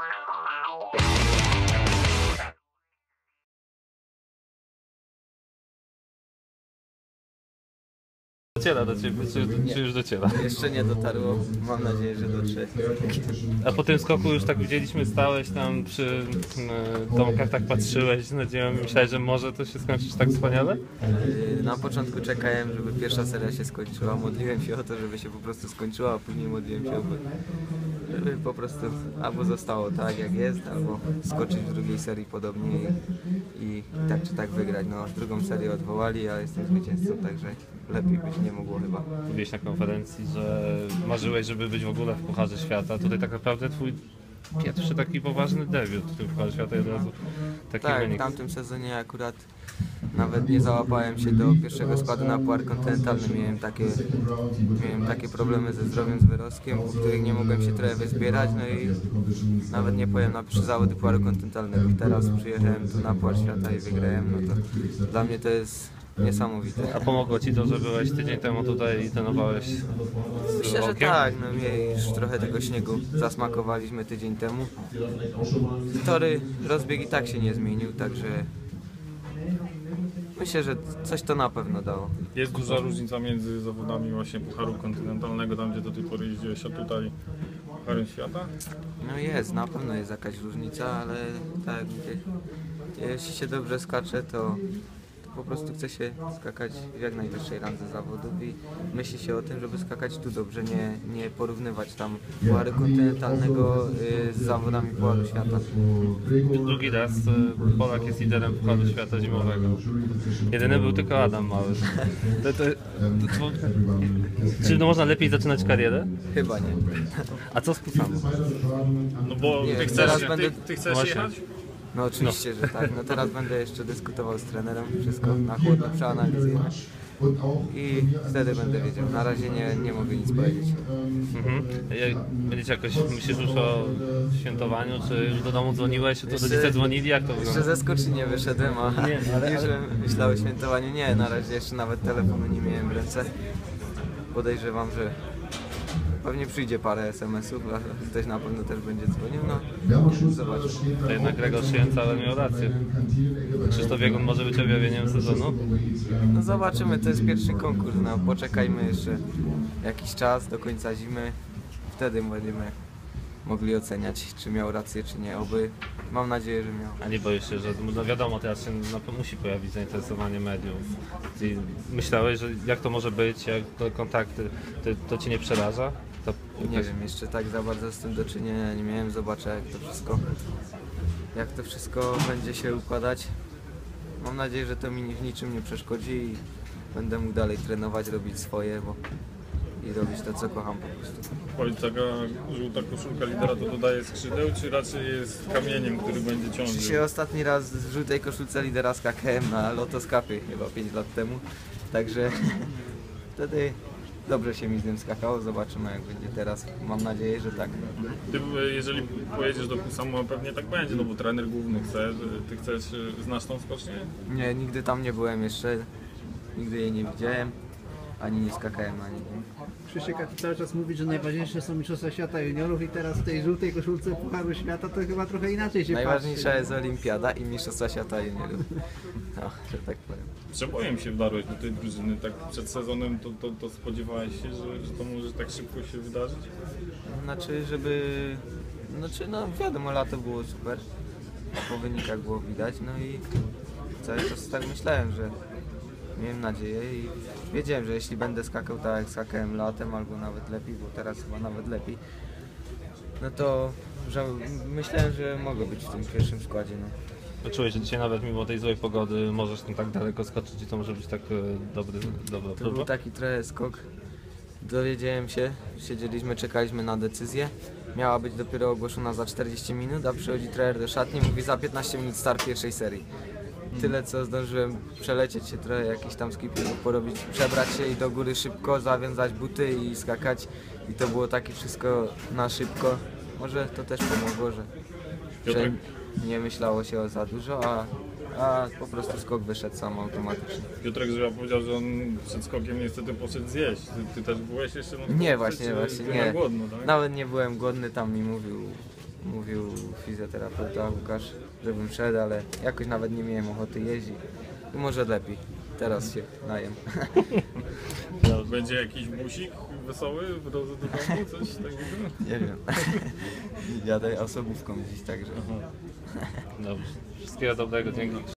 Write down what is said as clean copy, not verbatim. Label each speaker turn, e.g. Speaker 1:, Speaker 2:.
Speaker 1: Dociera do ciebie, czy już dociera?
Speaker 2: Jeszcze nie dotarło, mam nadzieję, że dotrze.
Speaker 1: A po tym skoku już tak widzieliśmy, stałeś tam przy domkach, tak patrzyłeś z nadzieją i myślałeś, że może to się skończyć tak wspaniale?
Speaker 2: Na początku czekałem, żeby pierwsza seria się skończyła, modliłem się o to, żeby się po prostu skończyła, a później modliłem się, żeby po prostu albo zostało tak jak jest, albo skoczyć w drugiej serii podobnie i tak czy tak wygrać. No, drugą serię odwołali, a jestem zwycięzcą, także lepiej być nie mogło chyba.
Speaker 1: Mówiłeś na konferencji, że marzyłeś, żeby być w ogóle w Pucharze Świata. Tutaj tak naprawdę twój pierwszy taki poważny debiut w tym Pucharze Świata i od razu taki
Speaker 2: Tak,
Speaker 1: wynik.
Speaker 2: w tamtym sezonie akurat nawet nie załapałem się do pierwszego składu na Puchar Kontynentalny. Miałem takie problemy ze zdrowiem, z wyrostkiem, po których nie mogłem się trochę wyzbierać, no i nawet nie pojechałem na pierwsze zawody Pucharu Kontynentalnego. Teraz przyjechałem tu na Puchar Świata i wygrałem, no to dla mnie to jest niesamowite.
Speaker 1: A pomogło ci to, że byłeś tydzień temu tutaj i trenowałeś z
Speaker 2: Myślę, że
Speaker 1: Rokiem?
Speaker 2: tak, no już trochę tego śniegu zasmakowaliśmy tydzień temu. Tory, rozbieg i tak się nie zmienił, także myślę, że coś to na pewno dało.
Speaker 3: Jest duża różnica między zawodami właśnie Pucharu Kontynentalnego, tam gdzie do tej pory jeździłeś, a tutaj Pucharem Świata?
Speaker 2: No jest, na pewno jest jakaś różnica, ale tak jak mówię, jeśli się dobrze skacze, to po prostu chce się skakać w jak najwyższej randze zawodów i myśli się o tym, żeby skakać tu dobrze, nie porównywać tam Pucharu Kontynentalnego z zawodami Pucharu Świata.
Speaker 1: Drugi raz Polak jest liderem Pucharu Świata zimowego. Jedyny był tylko Adam Mały. Czy można lepiej zaczynać karierę?
Speaker 2: Chyba nie.
Speaker 1: A co z Kusami?
Speaker 3: No bo
Speaker 2: Nie,
Speaker 3: ty
Speaker 2: teraz
Speaker 3: chcesz,
Speaker 2: będę-
Speaker 3: ty chcesz
Speaker 1: Właśnie.
Speaker 3: jechać?
Speaker 2: No oczywiście, że tak. No teraz będę jeszcze dyskutował z trenerem, wszystko na chłodno przeanalizuję i wtedy będę wiedział. Na razie nie mogę nic powiedzieć.
Speaker 1: Mhm. Będziecie jakoś, myślisz już o świętowaniu, czy już do domu dzwoniłeś, to
Speaker 2: Jeszcze-
Speaker 1: rodzice dzwonili, jak to
Speaker 2: Jeszcze
Speaker 1: wygląda?
Speaker 2: ze skoczni nie wyszedłem, a
Speaker 1: Nie, ale-
Speaker 2: już myślałem o świętowaniu. Nie, na razie jeszcze nawet telefonu nie miałem w ręce. Podejrzewam, że pewnie przyjdzie parę SMS-ów, a ktoś na pewno też będzie dzwonił, no zobaczymy.
Speaker 1: To jednak Gregor Szyjęca miał rację. Krzysztof Biegun może być objawieniem sezonu?
Speaker 2: No zobaczymy, to jest pierwszy konkurs, no poczekajmy jeszcze jakiś czas do końca zimy, wtedy będziemy mogli oceniać, czy miał rację, czy nie. Oby, mam nadzieję, że miał.
Speaker 1: A nie boisz się, że no wiadomo, teraz się musi pojawić zainteresowanie mediów. I myślałeś, że jak to może być, jak te kontakty, to Cię nie przeraża? To
Speaker 2: Nie wiem, jeszcze tak za bardzo z tym do czynienia nie miałem, zobaczę jak to wszystko będzie się układać. Mam nadzieję, że to mi w niczym nie przeszkodzi i będę mógł dalej trenować, robić swoje, i robić to, co kocham po prostu.
Speaker 3: Powiedz, taka żółta koszulka lidera to dodaje skrzydeł, czy raczej jest kamieniem, który będzie ciążył?
Speaker 2: Się ostatni raz w żółtej koszulce lidera skakałem na Lotoskapie chyba 5 lat temu, także wtedy dobrze się mi z tym skakało, zobaczymy jak będzie teraz, mam nadzieję, że tak.
Speaker 3: Ty, jeżeli pojedziesz do Kusama, pewnie tak będzie, no bo trener główny chce, ty chcesz, znasz tą skocznię?
Speaker 2: Nie, nigdy tam nie byłem jeszcze, nigdy jej nie widziałem, ani nie skakałem na niej.
Speaker 4: Krzysiek, a ty cały czas mówi, że najważniejsze są Mistrzostwa Świata Juniorów i teraz w tej żółtej koszulce Pucharu Świata to chyba trochę inaczej się
Speaker 2: Najważniejsza
Speaker 4: patrzy.
Speaker 2: jest Olimpiada i Mistrzostwa Świata Juniorów. No, że tak powiem.
Speaker 3: Przebojem się wdarłeś do tej drużyny, tak przed sezonem to spodziewałeś się, że to może tak szybko się wydarzyć?
Speaker 2: No wiadomo, lato było super, po wynikach było widać, no i cały czas tak myślałem, że miałem nadzieję i wiedziałem, że jeśli będę skakał tak jak skakałem latem, albo nawet lepiej, bo teraz chyba nawet lepiej, no to że myślałem, że mogę być w tym pierwszym składzie. No.
Speaker 1: Czułeś, że dzisiaj nawet mimo tej złej pogody możesz tam tak daleko skoczyć i to może być tak dobra
Speaker 2: To
Speaker 1: próba?
Speaker 2: był taki trochę skok. Dowiedziałem się, siedzieliśmy, czekaliśmy na decyzję. Miała być dopiero ogłoszona za 40 minut, a przychodzi trener do szatni, mówi za 15 minut start pierwszej serii. Tyle co zdążyłem przelecieć się trochę, jakiś tam skipingów porobić, przebrać się i do góry szybko, zawiązać buty i skakać. I to było takie wszystko na szybko. Może to też pomogło, że nie myślało się o za dużo, a po prostu skok wyszedł sam automatycznie.
Speaker 3: Piotrek Żyła powiedział, że on przed skokiem niestety poszedł zjeść. Ty też byłeś jeszcze?
Speaker 2: Nie, właśnie,
Speaker 3: byłem
Speaker 2: nie.
Speaker 3: głodno, tak?
Speaker 2: Nawet nie byłem głodny, tam mi mówił fizjoterapeuta Łukasz, żebym szedł, ale jakoś nawet nie miałem ochoty jeździć. I może lepiej. Teraz się najem.
Speaker 3: Będzie jakiś busik wesoły w drodze do domu, coś takiego?
Speaker 2: Nie wiem. Jadę osobówką dziś także.
Speaker 1: Dobrze. Wszystkiego dobrego, dzięki.